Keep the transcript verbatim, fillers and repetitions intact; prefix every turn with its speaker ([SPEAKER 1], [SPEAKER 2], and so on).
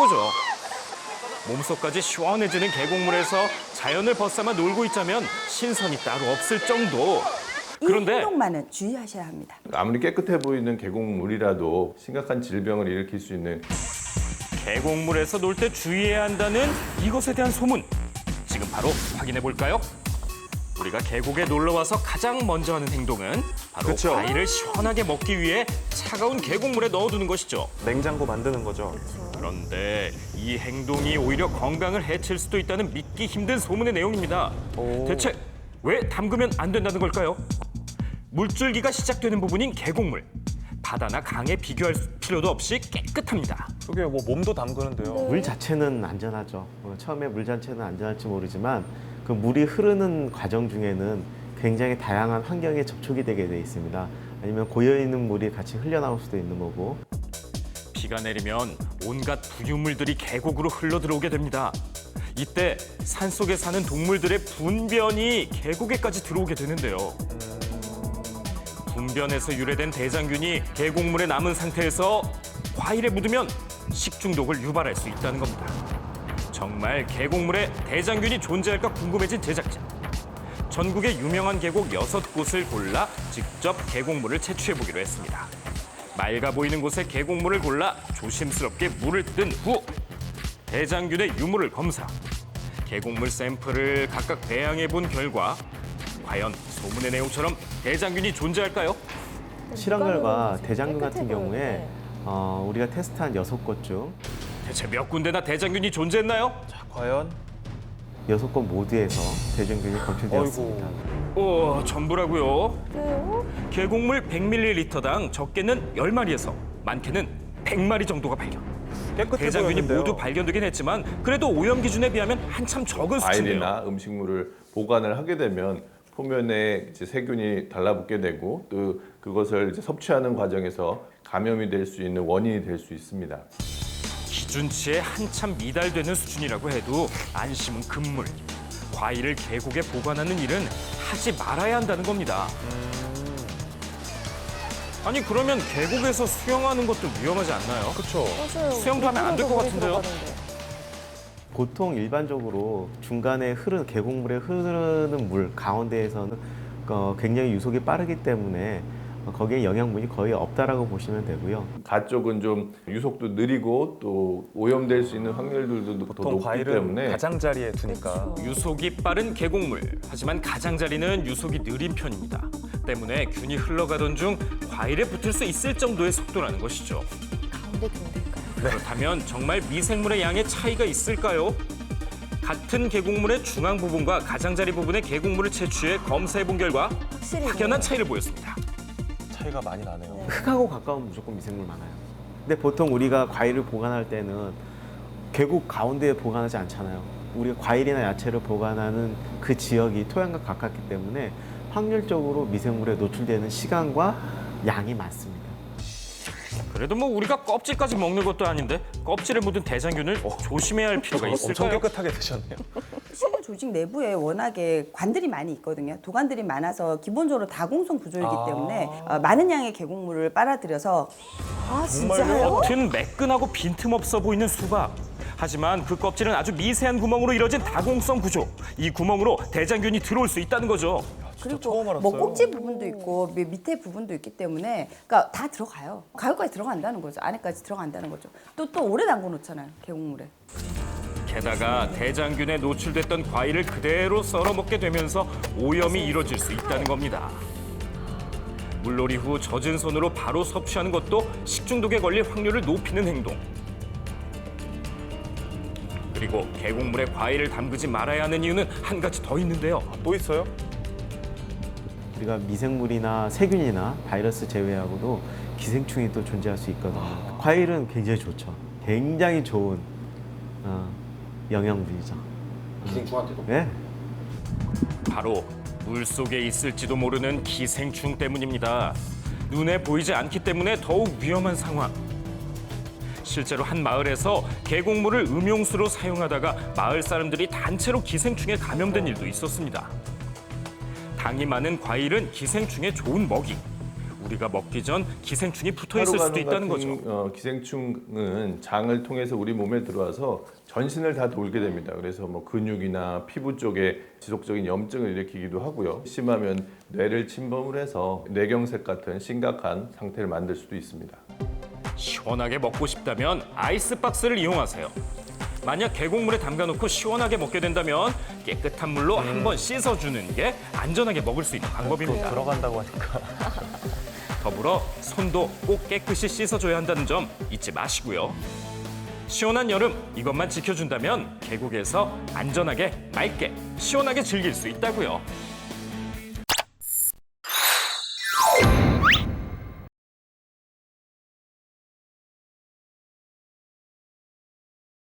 [SPEAKER 1] 최고죠. 몸속까지 시원해지는 계곡물에서 자연을 벗삼아 놀고 있자면 신선이 따로 없을 정도.
[SPEAKER 2] 이
[SPEAKER 1] 그런데
[SPEAKER 2] 행동만은 주의하셔야 합니다.
[SPEAKER 3] 아무리 깨끗해 보이는 계곡물이라도 심각한 질병을 일으킬 수 있는
[SPEAKER 1] 계곡물에서 놀 때 주의해야 한다는 이것에 대한 소문. 지금 바로 확인해 볼까요? 우리가 계곡에 놀러 와서 가장 먼저 하는 행동은 바로
[SPEAKER 4] 그쵸.
[SPEAKER 1] 과일을 시원하게 먹기 위해 차가운 계곡물에 넣어두는 것이죠.
[SPEAKER 4] 냉장고 만드는 거죠.
[SPEAKER 1] 그런데 이 행동이 오히려 건강을 해칠 수도 있다는 믿기 힘든 소문의 내용입니다.
[SPEAKER 4] 오.
[SPEAKER 1] 대체 왜 담그면 안 된다는 걸까요? 물줄기가 시작되는 부분인 계곡물. 바다나 강에 비교할 필요도 없이 깨끗합니다.
[SPEAKER 4] 그게 뭐 몸도 담그는데요.
[SPEAKER 5] 물 자체는 안전하죠. 어, 처음에 물 자체는 안전할지 모르지만 그 물이 흐르는 과정 중에는 굉장히 다양한 환경에 접촉이 되게 돼 있습니다. 아니면 고여있는 물이 같이 흘려나올 수도 있는 거고.
[SPEAKER 1] 비가 내리면 온갖 부유물들이 계곡으로 흘러들어오게 됩니다. 이때 산속에 사는 동물들의 분변이 계곡에까지 들어오게 되는데요. 분변에서 유래된 대장균이 계곡물에 남은 상태에서 과일에 묻으면 식중독을 유발할 수 있다는 겁니다. 정말 계곡물에 대장균이 존재할까 궁금해진 제작자. 전국의 유명한 계곡 여섯 곳을 골라 직접 계곡물을 채취해보기로 했습니다. 맑아 보이는 곳에 계곡물을 골라 조심스럽게 물을 뜬 후 대장균의 유무를 검사. 계곡물 샘플을 각각 배양해 본 결과 과연 소문의 내용처럼 대장균이 존재할까요?
[SPEAKER 5] 실험 결과 대장균 같은 경우에 어, 우리가 테스트한 여섯 곳 중
[SPEAKER 1] 대체 몇 군데나 대장균이 존재했나요?
[SPEAKER 4] 자, 과연?
[SPEAKER 5] 여섯 곳 모두에서 대장균이 검출되었습니다.
[SPEAKER 1] 오, 전부라고요? 계곡물 백 밀리리터당 적게는 열 마리에서 많게는 백 마리 정도가 발견.
[SPEAKER 4] 깨끗해
[SPEAKER 1] 대장균이
[SPEAKER 4] 보였는데요.
[SPEAKER 1] 모두 발견되긴 했지만 그래도 오염 기준에 비하면 한참 적은 수치인데요.
[SPEAKER 3] 과일이나 음식물을 보관을 하게 되면 표면에 이제 세균이 달라붙게 되고 또 그것을 이제 섭취하는 과정에서 감염이 될 수 있는 원인이 될 수 있습니다.
[SPEAKER 1] 기준치에 한참 미달되는 수준이라고 해도 안심은 금물. 과일을 계곡에 보관하는 일은 하지 말아야 한다는 겁니다. 아니 그러면 계곡에서 수영하는 것도 위험하지 않나요?
[SPEAKER 4] 그렇죠.
[SPEAKER 6] 맞아요.
[SPEAKER 1] 수영도 하면 안 될 것 같은데요?
[SPEAKER 5] 보통 일반적으로 중간에 흐르는 계곡물에 흐르는 물 가운데에서는 어, 굉장히 유속이 빠르기 때문에 거기에 영양분이 거의 없다라고 보시면 되고요.
[SPEAKER 3] 가 쪽은 좀 유속도 느리고 또 오염될 수 있는 확률들도 더
[SPEAKER 4] 보통
[SPEAKER 3] 높기
[SPEAKER 4] 과일은
[SPEAKER 3] 때문에
[SPEAKER 4] 가장자리에 두니까.
[SPEAKER 1] 유속이 빠른 계곡물. 하지만 가장자리는 유속이 느린 편입니다. 때문에 균이 흘러가던 중 과일에 붙을 수 있을 정도의 속도라는 것이죠.
[SPEAKER 6] 가운데 둔들까요?
[SPEAKER 1] 그렇다면 정말 미생물의 양에 차이가 있을까요? 같은 계곡물의 중앙 부분과 가장자리 부분의 계곡물을 채취해 검사해 본 결과
[SPEAKER 6] 확실히
[SPEAKER 1] 확연한 차이를 보였습니다.
[SPEAKER 4] 차이가 많이 나네요.
[SPEAKER 5] 흙하고 가까운 무조건 미생물 많아요. 근데 보통 우리가 과일을 보관할 때는 계곡 가운데에 보관하지 않잖아요. 우리가 과일이나 야채를 보관하는 그 지역이 토양과 가깝기 때문에 확률적으로 미생물에 노출되는 시간과 양이 많습니다.
[SPEAKER 1] 그래도 뭐 우리가 껍질까지 먹는 것도 아닌데 껍질에 묻은 대장균을 조심해야 할 필요가
[SPEAKER 4] 엄청
[SPEAKER 1] 있을까요?
[SPEAKER 4] 깨끗하게 드셨네요.
[SPEAKER 2] 식물 조직 내부에 워낙에 관들이 많이 있거든요. 도관들이 많아서 기본적으로 다공성 구조이기
[SPEAKER 4] 아.
[SPEAKER 2] 때문에 어, 많은 양의 계곡물을 빨아들여서
[SPEAKER 6] 아,
[SPEAKER 4] 정말요?
[SPEAKER 6] 진짜요?
[SPEAKER 1] 겉은 매끈하고 빈틈없어 보이는 수박. 하지만 그 껍질은 아주 미세한 구멍으로 이뤄진 다공성 구조. 이 구멍으로 대장균이 들어올 수 있다는 거죠.
[SPEAKER 2] 그리고
[SPEAKER 4] 처음 알았어요.
[SPEAKER 2] 뭐 꼭지 부분도 있고 밑- 밑에 부분도 있기 때문에 그러니까 다 들어가요. 가요까지 들어간다는 거죠. 안에까지 들어간다는 거죠. 또 또 오래 담궈 놓잖아요. 계곡물에.
[SPEAKER 1] 게다가 대장균에 노출됐던 과일을 그대로 썰어 먹게 되면서 오염이 이뤄질 수 있다는 겁니다. 물놀이 후 젖은 손으로 바로 섭취하는 것도 식중독에 걸릴 확률을 높이는 행동. 그리고 계곡물에 과일을 담그지 말아야 하는 이유는 한 가지 더 있는데요.
[SPEAKER 4] 또 있어요?
[SPEAKER 5] 우리가 미생물이나 세균이나 바이러스 제외하고도 기생충이 또 존재할 수 있거든요. 과일은 굉장히 좋죠. 굉장히 좋은 어, 영양분이죠.
[SPEAKER 7] 기생충한테도?
[SPEAKER 5] 네.
[SPEAKER 1] 바로 물속에 있을지도 모르는 기생충 때문입니다. 눈에 보이지 않기 때문에 더욱 위험한 상황. 실제로 한 마을에서 계곡물을 음용수로 사용하다가 마을 사람들이 단체로 기생충에 감염된 일도 있었습니다. 당이 많은 과일은 기생충의 좋은 먹이. 우리가 먹기 전 기생충이 붙어 있을 수도
[SPEAKER 3] 하루간호
[SPEAKER 1] 있다는
[SPEAKER 3] 같은,
[SPEAKER 1] 거죠.
[SPEAKER 3] 어, 기생충은 장을 통해서 우리 몸에 들어와서 전신을 다 돌게 됩니다. 그래서 뭐 근육이나 피부 쪽에 지속적인 염증을 일으키기도 하고요. 심하면 뇌를 침범을 해서 뇌경색 같은 심각한 상태를 만들 수도 있습니다.
[SPEAKER 1] 시원하게 먹고 싶다면 아이스박스를 이용하세요. 만약 계곡물에 담가놓고 시원하게 먹게 된다면 깨끗한 물로 한번 씻어주는 게 안전하게 먹을 수 있는
[SPEAKER 4] 또
[SPEAKER 1] 방법입니다.
[SPEAKER 4] 들어간다고 하니까.
[SPEAKER 1] 더불어 손도 꼭 깨끗이 씻어줘야 한다는 점 잊지 마시고요. 시원한 여름 이것만 지켜준다면 계곡에서 안전하게 맑게 시원하게 즐길 수 있다고요.